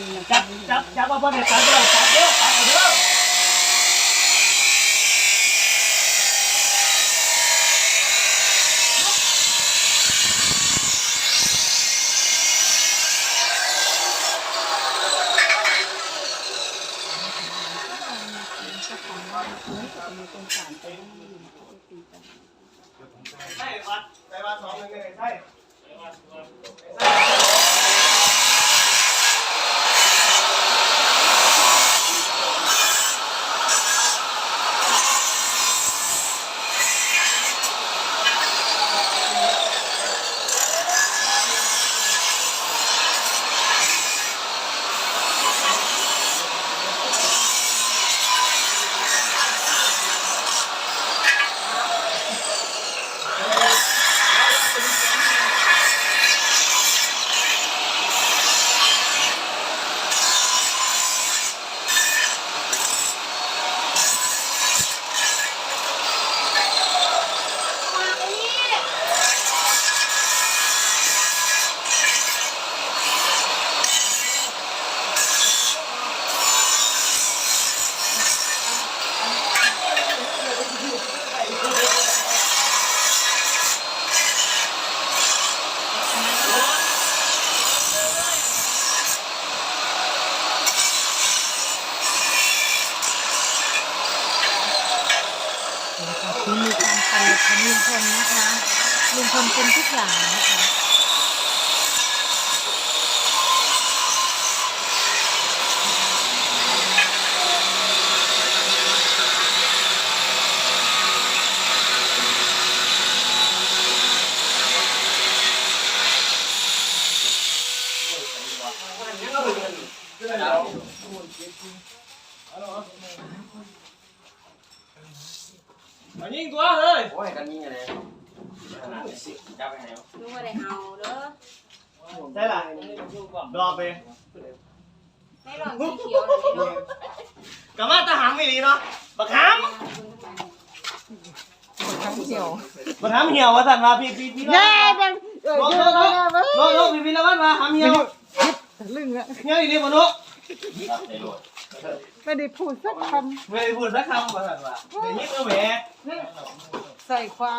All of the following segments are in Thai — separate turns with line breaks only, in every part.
จับมาบนเนี่ยจับเด้อจับเด้อจับเด้อใช่วัดใช่วัด2 1 1ใช่
คือมีการปั่นของลุงพลนะคะลุงพลเป็นทุกอย่างนะคะ
มายิงตัวเฮ้ย
โอ้ยกันยิงอะไรขนาดนี้สิจับไปไหนวะ
ลุงว่าได้เอาเด้อ
ใช่ล่ะรอไป
ให้ลองสีเขียวหน่อยได้ลูก
กลับมาตาหามไม่ดีเนาะบักหามบักหามเหี่ยวว่าสั่นมาพี่แน่ดังโน้พี่ละวันมาหามเหี่ยวลึงอะเหี่ยวอีนี่บ่โน้
ไม่ได้พูดสักค
ไม่ได้พูดสักคำว่าสั่นว่าเดี๋ยวยิงเอาแหว
ำใส่ความ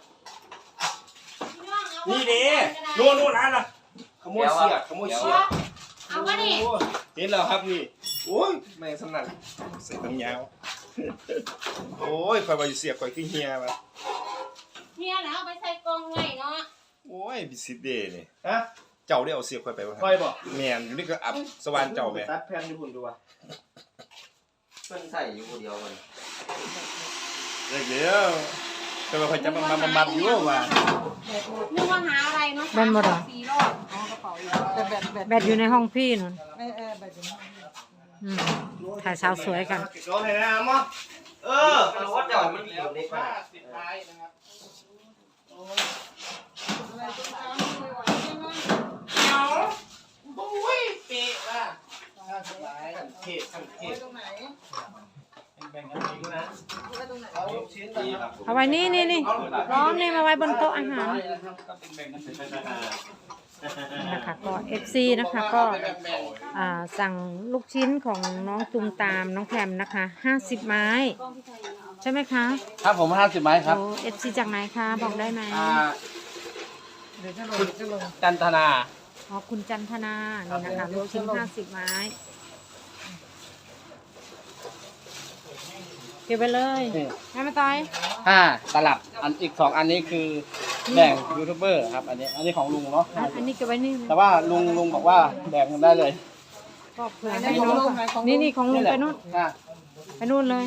นี่ดินู่นนั่นน่ะขโมยเสียขโมยเสีย
เอาวะนี่
เห็นแล้วครับนี่โอ้ยแม่งสนั่นใส่ตั้งยาวโอ้ยคอยไปเสียคอยขึ้นเฮียมา
เฮียแล้วเอาไปใส่กล่องไว้เนาะ
โอ้ยบิสิเดนี่
ฮะ
เจ้าได้เอาเสียคอยไปวะ
คอยบอก
แม่นอยู่นี่ก็อับสว่านเจ้าแม่
ตัดแผ่นญี่ปุ่นดูว่ะ
มันใส่อยู่คนเดียวมัน
เดี๋ยวแต่ว่าคอยจะมาอยู่ว่า
นึกว่าหาอะไรเนาะ4 รอบเอากระเป๋าอยู่
แบตอยู่ในห้องพี่นุ่น
แบตอยู่ในห้อง
ถ่ายสาวสวยกัน
โดนเห็นไหมมั้ง
มันว่าเจ้ามันอยู่เล็กมาก
ปิดท้ายนะครับ
อะไรตัวเช้าไม่ไหวใช่ไหม
เอาบุ้ยเป๊ะว่ะสังเกต
ไว้ตรงไหน
แบ่งกันเองนะ
ไว้ตรงไหน
เอาลูกชิ้นดีครับ
เอาไว้นี่ร้อนนี่มาไว้บนโต๊ะอาหาร
แบ่งกันเป็น
นะคะก็ FC นะคะก็สั่งลูกชิ้นของน้องตุมตามน้องแพมนะคะ50 ไม้ใช่ไหมคะ
ครับผม50 ไม้ครับ
โอ้ FC จากไหนคะบอกได้ไหม
คุณจันทนา
อ๋อคุณจันทนานี่นะคะลูกชิ้น50 ไม้เก็บไปเลยแม่มาต่อย
ตลับอีก2 อันนี้คือแบ่งยูทูบเบอร์ครับอันนี้ของลุงเนาะ
อันนี้เก็บไว้นี่
แต่ว่าลุงบอกว่าแบ่งกันได้เลย
ก็เผื่อให้น้องนี่ของลุงไปนู่นไปนู่นเลย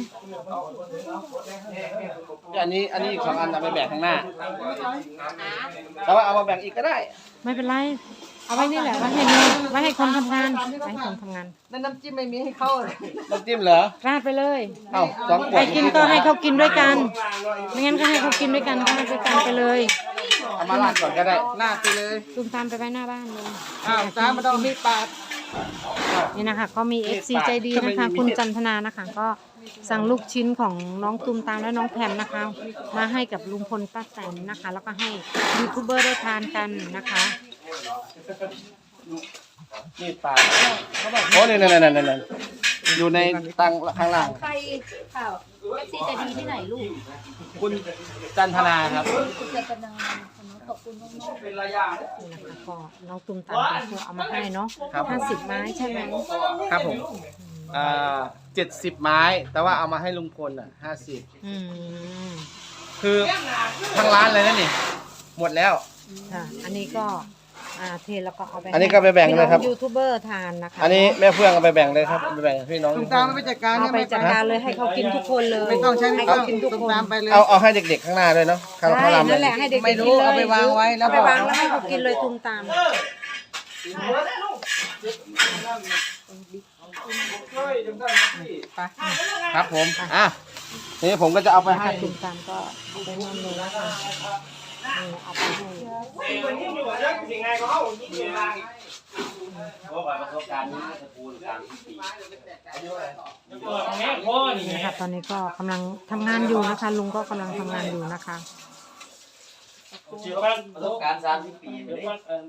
อันนี้อีก2 อันเอาไปแบ่งข้างหน้าแต่ว่าเอามาแบ่งอีกก็ได้
ไม่เป็นไรเอาไว้นี่แหละไว้ให้น้องไว้ให้คนทำงานไว้ให้คนทำงาน
นั่นน้ำจิ้มไม่มีให้เข้าเลย
น้ำจิ้มเหรอ
ราดไปเลย
เอ้า2 ข
ใคว ร
ด
กินก็ให้เขากินด้วยกันไม่งั้นก็ให้เขากินด้วยกันก็ให้ด้วยกันไปเลย
เอามาราดก่อนก็ได้
ลาดไปเลย
ตุมตามไปไว้หน้าบ้านเลย
จ้ามาต้องมีดปาด
นี่นะคะก็มี FC ใจดีนะคะคุณจันทนานะคะก็สั่งลูกชิ้นของน้องตุมตามและน้องแพมนะคะมาให้กับลุงพลป้าแตนนะคะแล้วก็ให้ยูทูบเบอร์ได้ทานกันนะคะ
มีดปาดโอ้นี่นั่นอยู่ในตังข้างล่าง
ใครข่าวเอฟซีจะดีที่ไหนลูก
คุณจันทนาครับ
คุณเจตนาขอบคุณน้อง
เป็นระยะ
นี่นะคะก็น้องตุมตามเป็นผู้เอามาให้เนาะ
ครับ
50 ไม้ใช่ไหม
ครับผม70 ไม้ แต่ว่าเอามาให้ลุงพลอ่ะ50
อืม
คือทั้งร้านเลยนะนี่หมดแล้ว
ค่ะอันนี้ก็เทแล้วก็เอาไป
อันนี้ก็ไปแบ่งเลยครับ
ให้น้อยูทูบเบอร์ทานนะคะ
อันนี้แม่เฟื่องเอาไปแบ่งเลยครับไปแบ่งให้พี่น้อง
ตุ้มตามไม่ไปจัดการ
เอา
เนี่ย
ไป
ไม่
จัดการเลยให้เขากินทุกคนเลย
ไม่ต้องใช้
ให้
ไม่ต้อ
เขา
ง
กินทุก
ตุ้ม
คน
ตามไปเลย
เอาให้เด็กๆข้างหน้าด้วยเนาะข้าง
ใช่
ลำเล
นั่น
ย
แหละให้เด็กๆ
ไม่รู้
กินลย
เอาไปวางไว้แล้ว
เอาไปวางแล้วให้เขากินเลยตุมตาม
ครับผมทีนี้ผมก็จะเอาไปให้
ตุมตามก็เอาไปนอนเลยนะคะเอาไปให้
วันนี้อยู่เรื่องสิ่งไงก็เอายิ่งเวลาอีก
นี่ค่ะตอนนี้ก็กำลังทำงานอยู่นะคะ ลุงก็กำลังทำงานอยู่นะคะ
ประสบการณ์30 ปีไม่ได้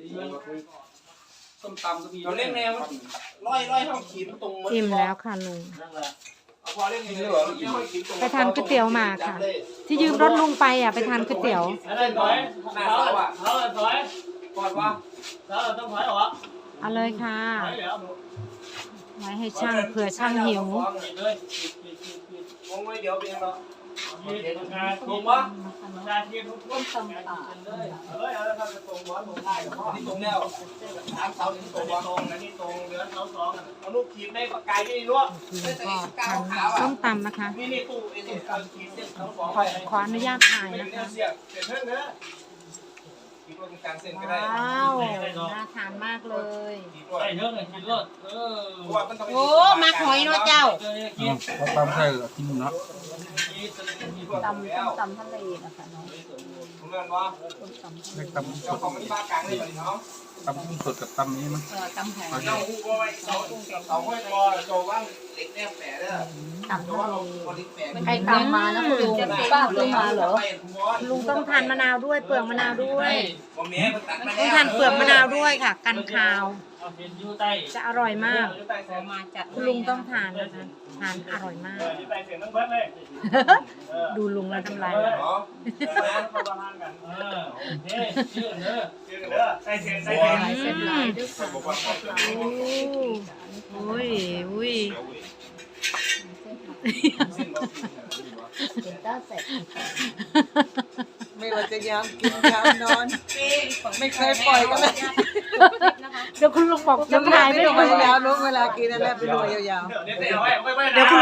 ส้มตำก็มีเราเล่นแนวร้อยเท่าขีดตรง
อิ่มแล้วค่ะลุง
พอเล่นกินเลยเหรอ
ไปทานก๋วยเตี๋ยวมาค่ะ ที่ยืมรถลุงไปไปทานก๋วยเตี๋ยว
อะไรถอยหน้าเสาอ่ะเสาถอยกอดว่าเสาต้องถอยเหรอ
เอาเลยค่ะ
ถอยแล้ว
ไว้ให้ช่างเผื่อช่างหิว
เลยมองไว้เดี๋ยวเป็นยังไงตรงวะชาเทียมต้นตำป่าเอาแล้วครับตรงบอลตรงท้ายนี่ตรงแล้วทางเสานี่ตรงตรงนะนี่ตรงเหลือเสาสองเอาลูกขีดในปากกายนี่รู้
ก็ทานส้มตำนะคะ
นี่ตู้ไอ้นี่ขีดเส้นเสาสอง
ขออนุญาตถ่ายนะคะ
เสียบเสร็จเพิ่มเนื้อขีดตรงกลางเส้นก็ได้
ว้าวน่าทานมากเลย
ใส่เนื้อหน่อยกินรส
ๆโอ้มาหอยเนาะเจ้า
เขาตามใส่กินเนาะ
ตำทะเลนะคะน้อง
ผมเรียนว่า
เล็กตำส
เจ้า
ด
ของมันบ้ากลางเลยแบบนี้เนาะ
ตำกุ้งสดกับตำนี้มั้ง
ตำหอย
เจ้าหูว่าไว้เสาห้อยคอโจว่างเล็กแนบแฝดเด้อ
ตำทะเล
คนเล็กแฝด
ใครตำมานะคุณลุงป้าซื้อมาเหรอ
ลุงต้องทานมะนาวด้วยเปลือกมะนาวด้วย
ผมเนี้ยมันตัดมา
ต้องทานเปลือกมะนาวด้วยค่ะ กันคาว จะอร่อยมาก
มาจัด
คุณลุงต้องทานนะคะทานอร่อยมาก
ใส่เสียงต้องเบิ้ลเลย
ดูลุงแล้วทำลาย
เนาะประมาณกันโอเคชื่อเด้อใส่เสียงใส่เสียง
เส้นลายด้วยค่ะอุ้ยอุ้ย
เป็นต้าเสร็จ
ไม่ว่าจะยามกินยามนอน ไม่เคยปล่อยกันเลย
เดี๋ยวคุณลุงบอก
น้ำ
น้ำ
ลา
ลาย ย
ไม่
ไม่
ล
ไห
ง
ว
ยาวลงเวลากินนั่นแหละไปดูยาวๆ
เดี๋ยวเอาไว้
เดี๋ยวคุณ